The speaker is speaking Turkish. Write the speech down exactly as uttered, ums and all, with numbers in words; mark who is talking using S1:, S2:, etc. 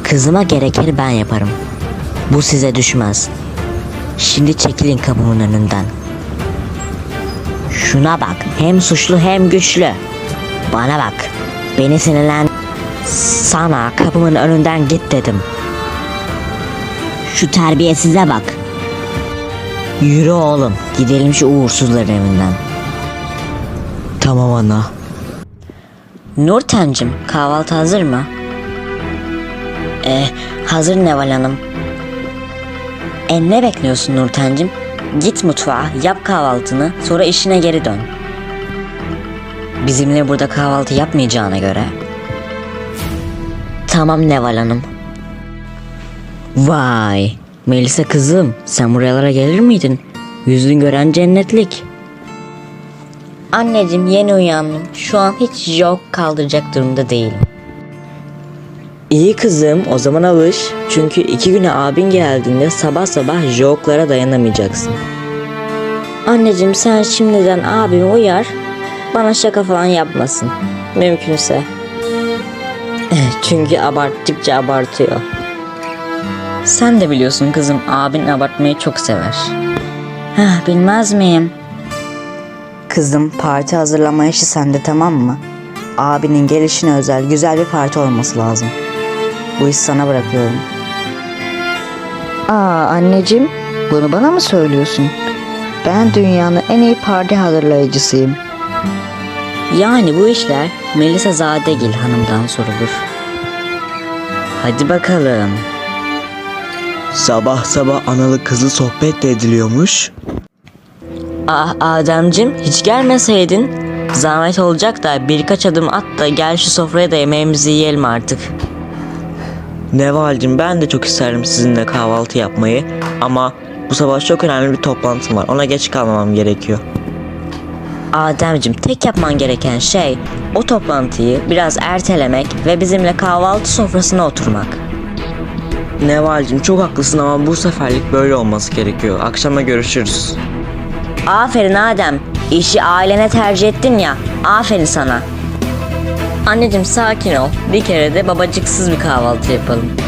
S1: Kızıma gerekeni ben yaparım. Bu size düşmez. Şimdi çekilin kapımın önünden. Şuna bak, hem suçlu hem güçlü. Bana bak, beni sinirlen... Sana kapımın önünden git dedim. Şu terbiyesize bak. Yürü oğlum, gidelim şu uğursuzların evinden.
S2: Tamam ana.
S1: Nurten'cim, kahvaltı hazır mı? Eh, hazır Neval Hanım. E ne bekliyorsun Nurten'cim? Git mutfağa, yap kahvaltını, sonra işine geri dön. Bizimle burada kahvaltı yapmayacağına göre. Tamam Neval Hanım. Vay, Melisa kızım, sen buralara gelir miydin? Yüzün gören cennetlik. Anneciğim, yeni uyandım. Şu an hiç jog kaldıracak durumda değilim.
S2: İyi kızım, o zaman alış. Çünkü iki güne abin geldiğinde sabah sabah joglara dayanamayacaksın.
S1: Anneciğim, sen şimdiden abimi uyar, bana şaka falan yapmasın. Mümkünse.
S2: Çünkü abarttıkça abartıyor.
S1: Sen de biliyorsun kızım, abin abartmayı çok sever. Heh, bilmez miyim?
S3: Kızım, parti hazırlama işi sende, tamam mı? Abinin gelişine özel güzel bir parti olması lazım. Bu işi sana bırakıyorum. Aa anneciğim, bunu bana mı söylüyorsun? Ben dünyanın en iyi parti hazırlayıcısıyım.
S1: Yani bu işler Melisa Zadegil hanımdan sorulur.
S2: Hadi bakalım. Sabah sabah analı kızlı sohbet de ediliyormuş.
S1: Ah Ademcim, hiç gelmeseydin. Zahmet olacak da birkaç adım at da gel şu sofraya da yemeğimizi yiyelim artık.
S2: Neval'cim, ben de çok isterim sizinle kahvaltı yapmayı. Ama bu sabah çok önemli bir toplantım var. Ona geç kalmamam gerekiyor.
S1: Ademcim, tek yapman gereken şey o toplantıyı biraz ertelemek ve bizimle kahvaltı sofrasına oturmak.
S2: Neval'cim, çok haklısın ama bu seferlik böyle olması gerekiyor. Akşama görüşürüz.
S1: Aferin Adem, işi ailene tercih ettin ya, aferin sana. Anneciğim sakin ol, bir kere de babacıksız bir kahvaltı yapalım.